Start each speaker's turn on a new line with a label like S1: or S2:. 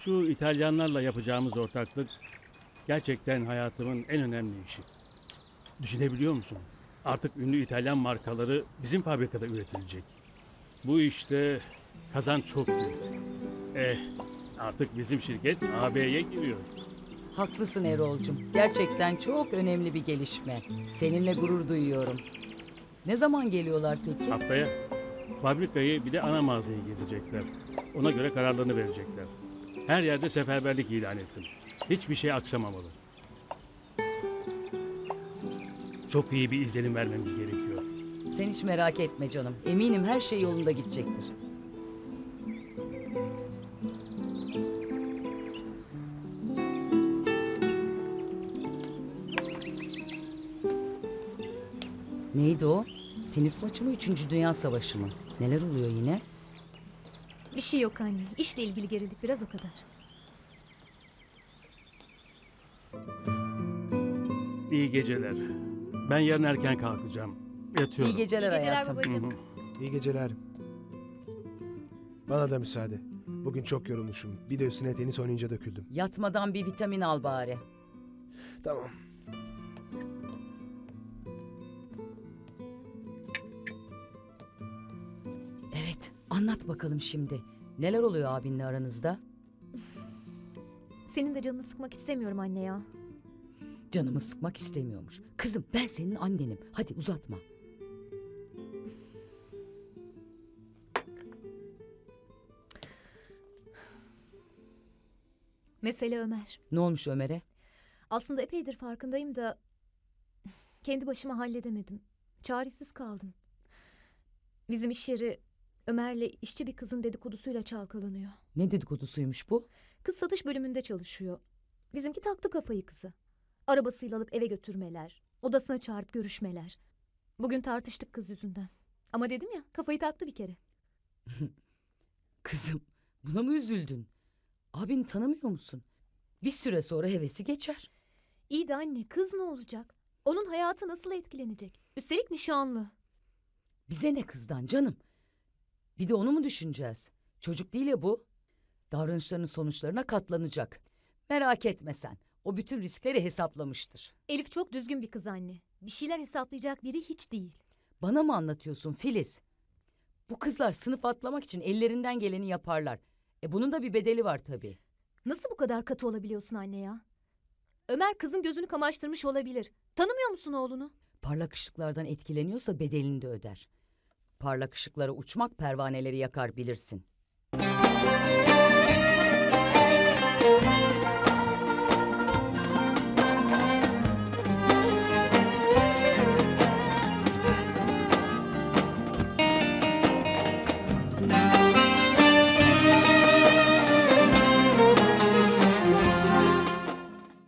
S1: Şu İtalyanlarla yapacağımız ortaklık gerçekten hayatımın en önemli işi. Düşünebiliyor musun? Artık ünlü İtalyan markaları bizim fabrikada üretilecek. Bu işte kazanç çok büyük. Eh, artık bizim şirket AB'ye giriyor.
S2: Haklısın Erol'cum. Gerçekten çok önemli bir gelişme. Seninle gurur duyuyorum. Ne zaman geliyorlar peki?
S1: Haftaya fabrikayı bir de ana mağazayı gezecekler. Ona göre kararlarını verecekler. Her yerde seferberlik ilan ettim. Hiçbir şey aksamamalı. Çok iyi bir izlenim vermemiz gerekiyor.
S2: Sen hiç merak etme canım. Eminim her şey yolunda gidecektir. Neydi o? Tenis maçı mı, 3. Dünya Savaşı mı? Neler oluyor yine?
S3: Bir şey yok anne. İşle ilgili gerildik biraz o kadar.
S1: İyi geceler. Ben yarın erken kalkacağım. Yatıyorum.
S2: İyi geceler
S3: İyi geceler
S2: hayatım.
S3: babacığım.
S1: Hı hı.
S4: İyi geceler. Bana da müsaade. Bugün çok yorulmuşum. Bir de üstüne tenis oynayınca döküldüm.
S2: Yatmadan bir vitamin al bari.
S4: Tamam.
S2: Evet, anlat bakalım şimdi. Neler oluyor abinle aranızda?
S3: Senin de canını sıkmak istemiyorum anne ya.
S2: Canımı sıkmak istemiyormuş. Kızım ben senin annenim. Hadi uzatma.
S3: Mesele Ömer.
S2: Ne olmuş Ömer'e?
S3: Aslında epeydir farkındayım da kendi başıma halledemedim. Çaresiz kaldım. Bizim iş yeri Ömer'le işçi bir kızın dedikodusuyla çalkalanıyor.
S2: Ne dedikodusuymuş bu?
S3: Kız satış bölümünde çalışıyor. Bizimki taktı kafayı kızı. Arabasıyla alıp eve götürmeler, odasına çağırıp görüşmeler. Bugün tartıştık kız yüzünden. Ama dedim ya, kafayı taktı bir kere.
S2: Kızım buna mı üzüldün? Abini tanımıyor musun? Bir süre sonra hevesi geçer.
S3: İyi de anne, kız ne olacak? Onun hayatı nasıl etkilenecek? Üstelik nişanlı.
S2: Bize ne kızdan canım? Bir de onu mu düşüneceğiz? Çocuk değil ya bu. Davranışlarının sonuçlarına katlanacak. Merak etme sen. O bütün riskleri hesaplamıştır.
S3: Elif çok düzgün bir kız anne. Bir şeyler hesaplayacak biri hiç değil.
S2: Bana mı anlatıyorsun Filiz? Bu kızlar sınıf atlamak için ellerinden geleni yaparlar. Bunun da bir bedeli var tabii.
S3: Nasıl bu kadar katı olabiliyorsun anne ya? Ömer kızın gözünü kamaştırmış olabilir. Tanımıyor musun oğlunu?
S2: Parlak ışıklardan etkileniyorsa bedelini de öder. Parlak ışıklara uçmak pervaneleri yakar bilirsin.